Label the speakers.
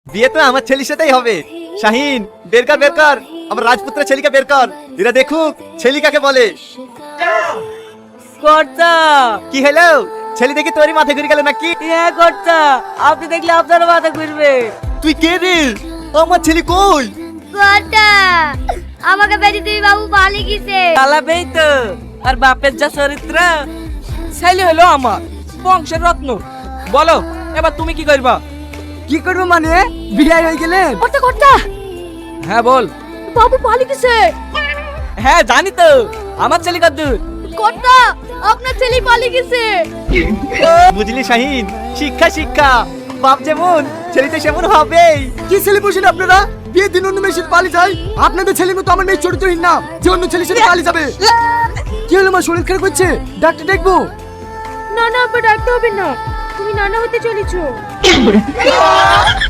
Speaker 1: বিয়ে তো আমার ছেলের সাথেই হবে। শাহিন, বের কর বের কর, আমার রাজপুত্র ছেলেকে বের কর, এরা দেখুক ছেলে কাকে বলে।
Speaker 2: কর্তা,
Speaker 1: কি হলো, ছেলে দেখি তোরই মাথা ঘুরে গেল নাকি?
Speaker 2: হ্যাঁ কর্তা, আপনি দেখলে আপনার মাথা ঘুরবে।
Speaker 1: তুই কে রে? আমার ছেলে কই?
Speaker 3: কর্তা, আমাকে বেঁচে তুমি বাবু পালিয়ে গেছে।
Speaker 2: পালাবেই তো, আর বাপের যা চরিত্র। ছেলে হলো আমার বংশের রত্ন। বলো এবার তুমি কি করবা?
Speaker 4: কি করবো মানে, বিয়ে হয়ে গেলে?
Speaker 3: কর্তা কর্তা,
Speaker 2: হ্যাঁ বল।
Speaker 3: বাবু পালিয়ে গেছে।
Speaker 2: হ্যাঁ জানি তো, আমার ছেলে কদ্দূর?
Speaker 3: কর্তা, আপনার ছেলে পালিয়ে গেছে।
Speaker 1: বুঝলি শাহিন, শিক্ষা শিক্ষা, বাপ যেমন ছেলে তো সেমন হবেই।
Speaker 4: কি ছেলে বসেন আপনারা? বিয়ে দিন অন্য মেয়ের সাথে পালিয়ে যায়। আপনাদের ছেলের মতো আমার মেয়ে চরিত্রহীন না যে অন্য ছেলের সাথে পালিয়ে যাবে। কি হলো মা, শরীর খারাপ করছে? ডাক্তার দেখবো?
Speaker 3: না না, আব্বা ডাকতে হবে না, তুমি নানা হতে চলেছো।